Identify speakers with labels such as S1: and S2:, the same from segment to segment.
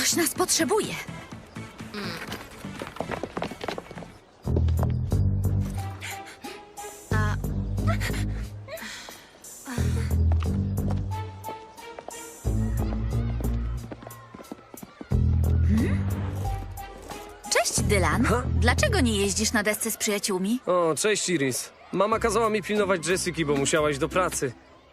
S1: Ktoś nas potrzebuje. Cześć, Dylan.
S2: Ha?
S1: Dlaczego nie jeździsz na desce z przyjaciółmi?
S2: O, cześć Iris. Mama kazała mi pilnować Jessiki, bo musiałaś do pracy.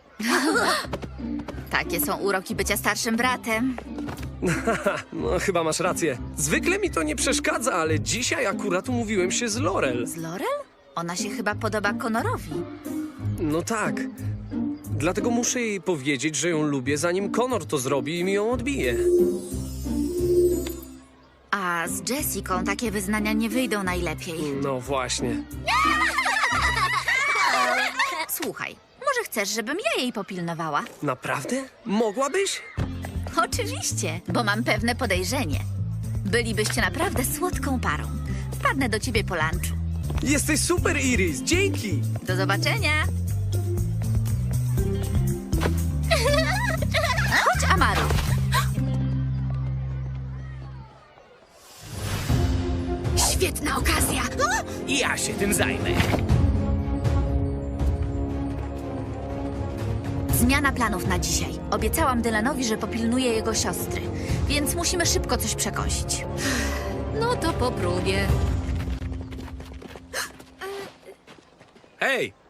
S1: Takie są uroki bycia starszym bratem.
S2: No, chyba masz rację. Zwykle mi to nie przeszkadza, ale dzisiaj akurat umówiłem się z Laurel.
S1: Z Laurel? Ona się chyba podoba Conorowi.
S2: No tak. Dlatego muszę jej powiedzieć, że ją lubię, zanim Connor to zrobi i mi ją odbije.
S1: A z Jessiką takie wyznania nie wyjdą najlepiej.
S2: No właśnie.
S1: Słuchaj, może chcesz, żebym ja jej popilnowała?
S2: Naprawdę? Mogłabyś?
S1: Oczywiście, bo mam pewne podejrzenie. Bylibyście naprawdę słodką parą. Wpadnę do ciebie po lunchu.
S2: Jesteś super, Iris! Dzięki!
S1: Do zobaczenia! Chodź, Amaru! Świetna okazja!
S3: Ja się tym zajmę.
S1: Zmiana planów na dzisiaj. Obiecałam Dylanowi, że popilnuję jego siostry, więc musimy szybko coś przekąsić. No to po próbie.
S3: Hej!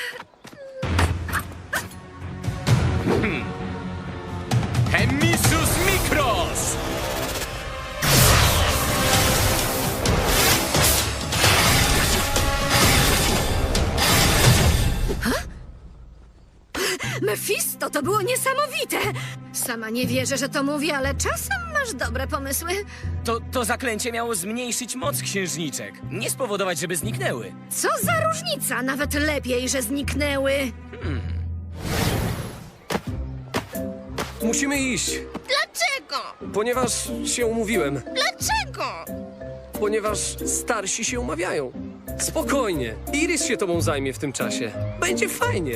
S3: Hemisus Mikros!
S4: Mefisto, to było niesamowite! Sama nie wierzę, że to mówię, ale czasem masz dobre pomysły.
S3: To zaklęcie miało zmniejszyć moc księżniczek. Nie spowodować, żeby zniknęły.
S4: Co za różnica? Nawet lepiej, że zniknęły.
S2: Musimy iść,
S4: Dlaczego?
S2: ponieważ się umówiłem.
S4: Dlaczego?
S2: Ponieważ starsi się umawiają. Spokojnie. Iris się tobą zajmie w tym czasie. Będzie fajnie.